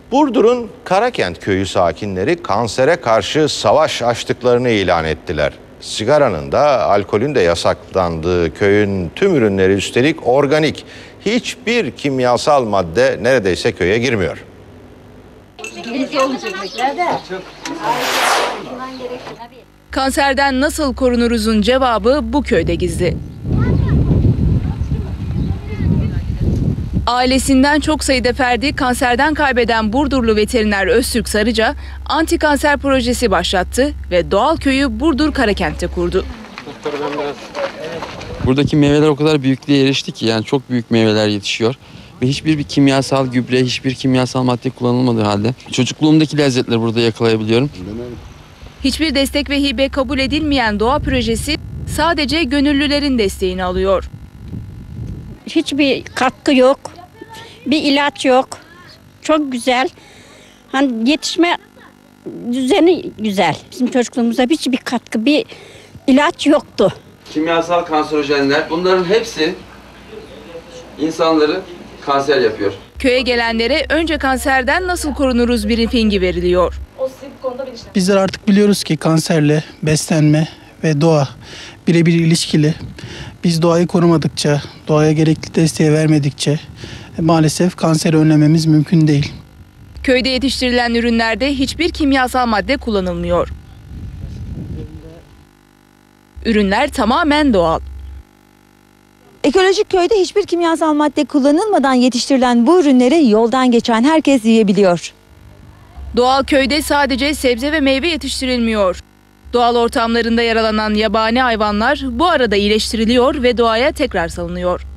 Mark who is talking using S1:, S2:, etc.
S1: Burdur'un Karakent köyü sakinleri kansere karşı savaş açtıklarını ilan ettiler. Sigaranın da alkolün de yasaklandığı köyün tüm ürünleri üstelik organik. Hiçbir kimyasal madde neredeyse köye girmiyor.
S2: Kanserden nasıl korunuruzun cevabı bu köyde gizli. Ailesinden çok sayıda ferdi kanserden kaybeden Burdurlu veteriner Öztürk Sarıca, anti kanser projesi başlattı ve doğal köyü Burdur Karakent'te kurdu.
S3: Buradaki meyveler o kadar büyüklüğe erişti ki yani çok büyük meyveler yetişiyor. Ve hiçbir kimyasal gübre, hiçbir kimyasal madde kullanılmadığı halde çocukluğumdaki lezzetleri burada yakalayabiliyorum.
S2: Hiçbir destek ve hibe kabul edilmeyen doğa projesi sadece gönüllülerin desteğini alıyor.
S4: Hiçbir katkı yok, bir ilaç yok. Çok güzel. Hani yetişme düzeni güzel. Bizim çocukluğumuzda hiçbir katkı, bir ilaç yoktu.
S3: Kimyasal kanserojenler, bunların hepsi insanları kanser yapıyor.
S2: Köye gelenlere önce kanserden nasıl korunuruz briefingi veriliyor.
S5: Bizler artık biliyoruz ki kanserle beslenme ve doğa birebir ilişkili. Biz doğayı korumadıkça, doğaya gerekli desteği vermedikçe maalesef kanseri önlememiz mümkün değil.
S2: Köyde yetiştirilen ürünlerde hiçbir kimyasal madde kullanılmıyor. Ürünler tamamen doğal.
S6: Ekolojik köyde hiçbir kimyasal madde kullanılmadan yetiştirilen bu ürünleri yoldan geçen herkes yiyebiliyor.
S2: Doğal köyde sadece sebze ve meyve yetiştirilmiyor. Doğal ortamlarında yaralanan yabani hayvanlar bu arada iyileştiriliyor ve doğaya tekrar salınıyor.